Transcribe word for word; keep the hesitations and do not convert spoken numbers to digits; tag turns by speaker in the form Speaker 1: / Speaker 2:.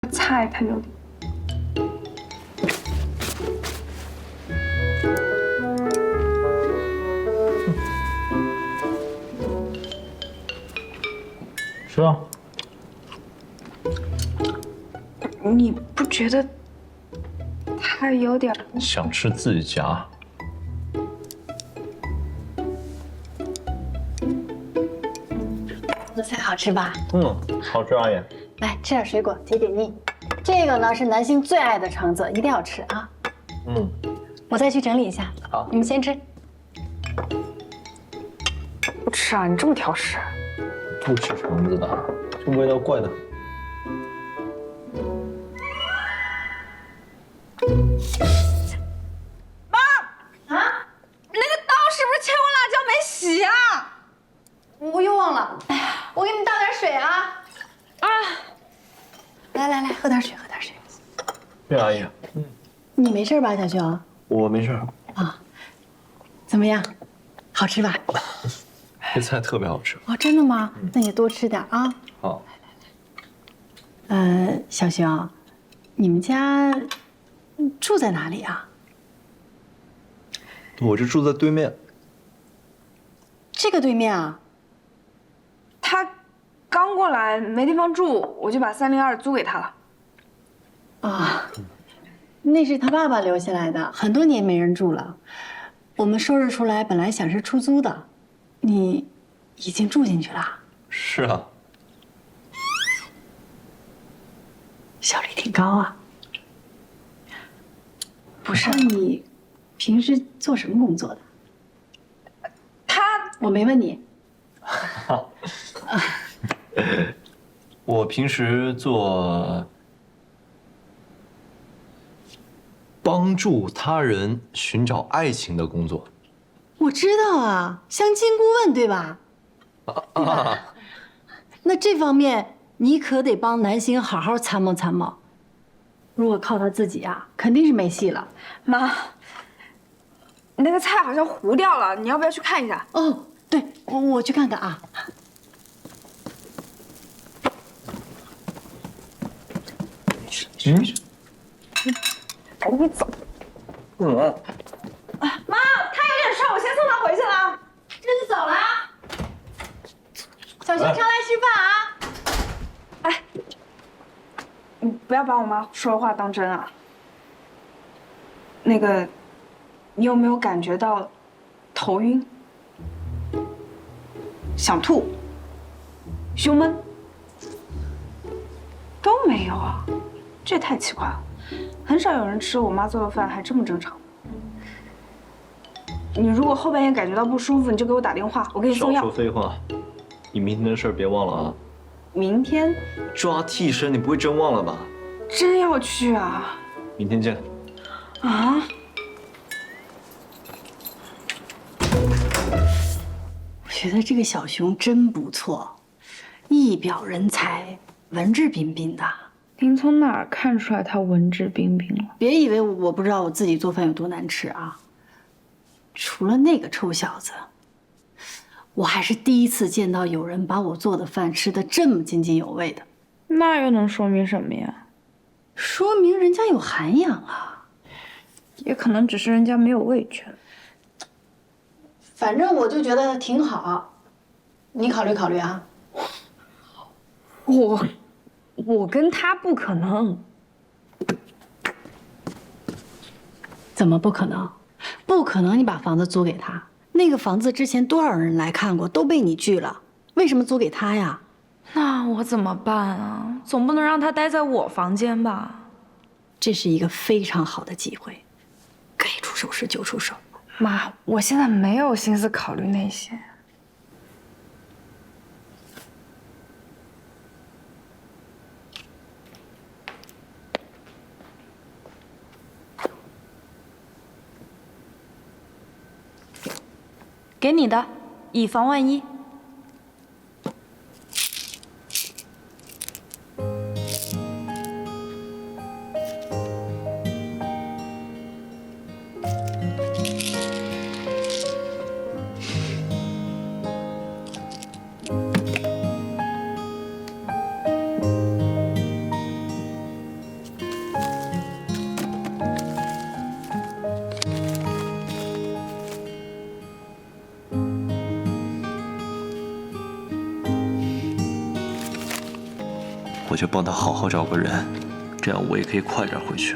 Speaker 1: 菜太有点。
Speaker 2: 吃啊！
Speaker 1: 你不觉得它有点？
Speaker 2: 想吃自己夹。
Speaker 3: 这菜好吃吧？
Speaker 2: 嗯，好吃，阿姨。
Speaker 3: 来吃点水果解解腻。这个呢是南星最爱的橙子，一定要吃啊！
Speaker 2: 嗯，
Speaker 3: 我再去整理一下。
Speaker 2: 好，
Speaker 3: 你们先吃。
Speaker 1: 不吃啊？你这么挑食？
Speaker 2: 不吃橙子的，这味道怪的很。
Speaker 1: 妈啊！那个刀是不是切过辣椒没洗啊？
Speaker 3: 我又忘了。哎呀，我给你倒点水啊！啊！来来来，喝点水，喝点水。
Speaker 2: 对，阿姨。嗯，
Speaker 3: 你没事吧，小熊？
Speaker 2: 我没事。
Speaker 3: 啊，怎么样？好吃吧？
Speaker 2: 这菜特别好吃。
Speaker 3: 哦，真的吗？那你多吃点啊。
Speaker 2: 好。
Speaker 3: 呃，小熊，你们家住在哪里啊？
Speaker 2: 我就住在对面。
Speaker 3: 这个对面啊？
Speaker 1: 他刚过来没地方住，我就把三零二租给他了。
Speaker 3: 啊，那是他爸爸留下来的，很多年没人住了。我们收拾出来，本来想是出租的，你已经住进去了。
Speaker 2: 是啊。
Speaker 3: 效率挺高啊。不是，你平时做什么工作的？
Speaker 1: 他
Speaker 3: 我没问你。
Speaker 2: 我平时做帮助他人寻找爱情的工作。
Speaker 3: 我知道啊，相亲顾问对吧？对吧？那这方面你可得帮南星好好参谋参谋。如果靠他自己啊，肯定是没戏了。
Speaker 1: 妈，那个菜好像糊掉了，你要不要去看一下？
Speaker 3: 哦，对，我我去看看啊。
Speaker 2: 嗯，
Speaker 1: 赶紧走。
Speaker 2: 嗯。
Speaker 1: 妈，他有点事，我先送他回去了。
Speaker 3: 这就走了啊。小熊常来吃饭啊。
Speaker 1: 哎，你不要把我妈说的话当真啊。那个，你有没有感觉到头晕、想吐、胸闷？都没有啊，这也太奇怪了。很少有人吃我妈做的饭还这么正常。你如果后半夜感觉到不舒服，你就给我打电话，我给你送药。
Speaker 2: 少说废话，你明天的事儿别忘了啊。
Speaker 1: 明天
Speaker 2: 抓替身，你不会真忘了吧？
Speaker 1: 真要去啊？
Speaker 2: 明天见。
Speaker 1: 啊？
Speaker 3: 我觉得这个小熊真不错，一表人才，文质彬彬的。
Speaker 1: 您从哪儿看出来他文质彬彬了？
Speaker 3: 别以为我不知道我自己做饭有多难吃啊！除了那个臭小子，我还是第一次见到有人把我做的饭吃得这么津津有味的。
Speaker 1: 那又能说明什么呀？
Speaker 3: 说明人家有涵养啊。
Speaker 1: 也可能只是人家没有味觉。
Speaker 3: 反正我就觉得挺好，你考虑考虑啊。
Speaker 1: 我，我跟他不可能。
Speaker 3: 怎么不可能？不可能！你把房子租给他，那个房子之前多少人来看过，都被你拒了，为什么租给他呀？
Speaker 1: 那我怎么办啊？总不能让他待在我房间吧？
Speaker 3: 这是一个非常好的机会，该出手时就出手。
Speaker 1: 妈，我现在没有心思考虑那些。给你的，以防万一。
Speaker 2: 我就帮他好好找个人，这样我也可以快点回去。